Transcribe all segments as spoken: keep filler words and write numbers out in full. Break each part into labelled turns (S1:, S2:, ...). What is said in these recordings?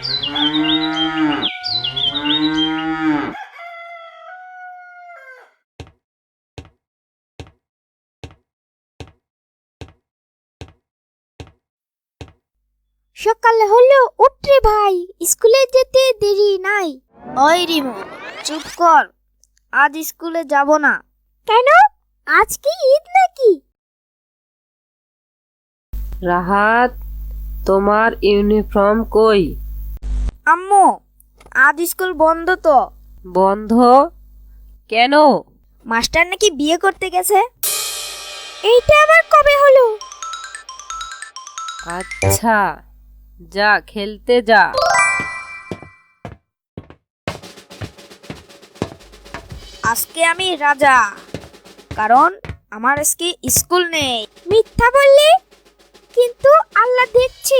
S1: সকাল হলো, উঠরে ভাই, স্কুলে যেতে দেরি নাই।
S2: ওই রিমু, চুপ কর, আজ স্কুলে যাব না।
S1: কেন? আজ কি ঈদ নাকি?
S3: রাহাত, তোমার ইউনিফর্ম কই?
S2: আম্মু, আজ স্কুল বন্ধ তো।
S3: বন্ধ কেন?
S2: মাস্টার নাকি বিয়ে করতে গেছে।
S1: এইটা আবার কবে হলো?
S3: আচ্ছা, যা খেলতে যা।
S2: আজকে আমি রাজা, কারণ আমার আজকে স্কুল নেই।
S1: মিথ্যা বললি, কিন্তু আল্লাহ দেখছে।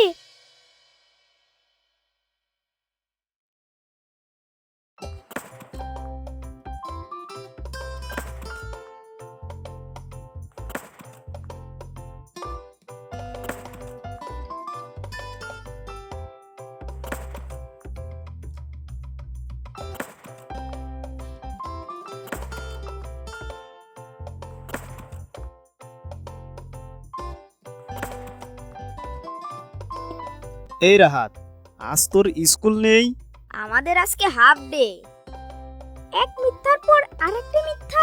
S4: এই রাহাত, আজ তোর স্কুল নেই?
S2: আমাদের আজকে হাফ ডে।
S1: এক মিথ্যার পর আরেকটা মিথ্যা।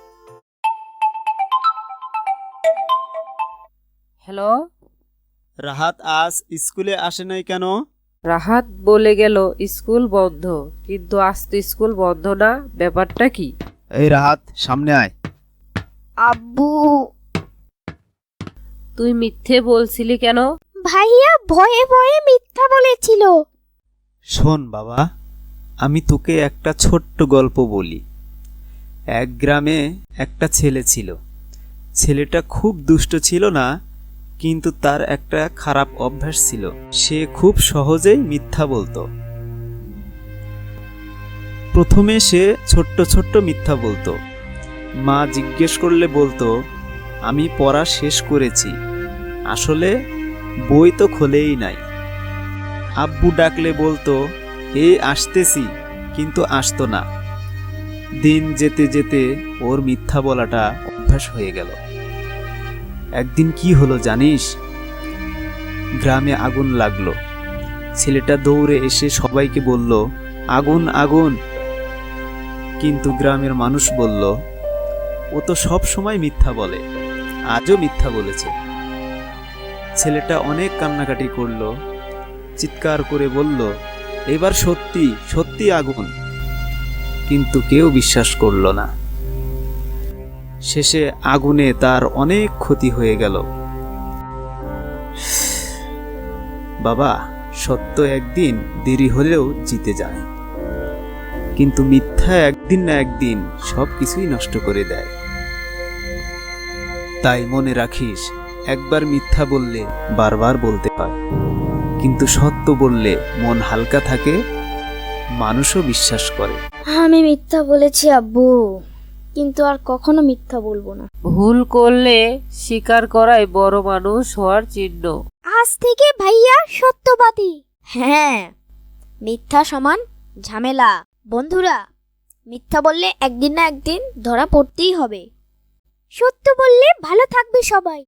S3: হ্যালো,
S4: রাহাত আজ স্কুলে আসে নাই কেন?
S3: রাহাত বলে গেল স্কুল বন্ধ, কিন্তু আজ তো স্কুল বন্ধ না। ব্যাপারটা কি?
S4: এই রাহাত, সামনে আয়।
S2: আব্বু,
S3: তুই মিথ্যে বলছিলি কেন?
S1: ভাইয়া ভয়ে ভয়ে মিথ্যা বলেছিল।
S4: শোন বাবা, আমি তোকে একটা ছোট্ট গল্প বলি। এক গ্রামে একটা ছেলে ছিল। ছেলেটা খুব দুষ্ট ছিল না, কিন্তু তার একটা খারাপ অভ্যাস ছিল। সে খুব সহজেই মিথ্যা বলতো। প্রথমে সে ছোট্ট ছোট্ট মিথ্যা বলতো। মা জিজ্ঞেস করলে বলতো, আমি পড়া শেষ করেছি, আসলে বই তো খোলেই নাই। আব্বু ডাকলে বলতো, এই আসতেছি, কিন্তু আসতো না। দিন যেতে যেতে ওর মিথ্যা বলাটা অভ্যাস হয়ে গেল। একদিন কি হলো জানিস? গ্রামে আগুন লাগলো। ছেলেটা দৌড়ে এসে সবাইকে বলল, আগুন আগুন। কিন্তু গ্রামের মানুষ বলল, ও তো সব সময় মিথ্যা বলে, আজও মিথ্যা বলেছে। ছেলেটা অনেক কান্নাকাটি করলো, চিৎকার করে বলল, এবার সত্যি সত্যি আগুন। কিন্তু কেউ বিশ্বাস করল না। শেষে আগুনে তার অনেক ক্ষতি হয়ে গেল। বাবা, সত্য একদিন দেরি হলেও জিতে যায়, কিন্তু মিথ্যা একদিন না একদিন সব কিছুই নষ্ট করে দেয়। তাই মনে রাখিস, একবার মিথ্যা বললে বারবার বলতে হয়, কিন্তু সত্য বললে মন হালকা থাকে, মানুষও বিশ্বাস করে।
S2: আমি মিথ্যা বলেছি আব্বু, কিন্তু আর কখনো মিথ্যা বলবো না।
S3: ভুল করলে স্বীকার করাই বড় মানুষ হওয়ার চিহ্ন।
S1: আজ থেকে ভাইয়া সত্যবাদী।
S2: হ্যাঁ, মিথ্যা সমান ঝামেলা। বন্ধুরা, মিথ্যা বললে একদিন না একদিন ধরা পড়তেই হবে।
S1: সত্য বললে ভালো থাকবে সবাই।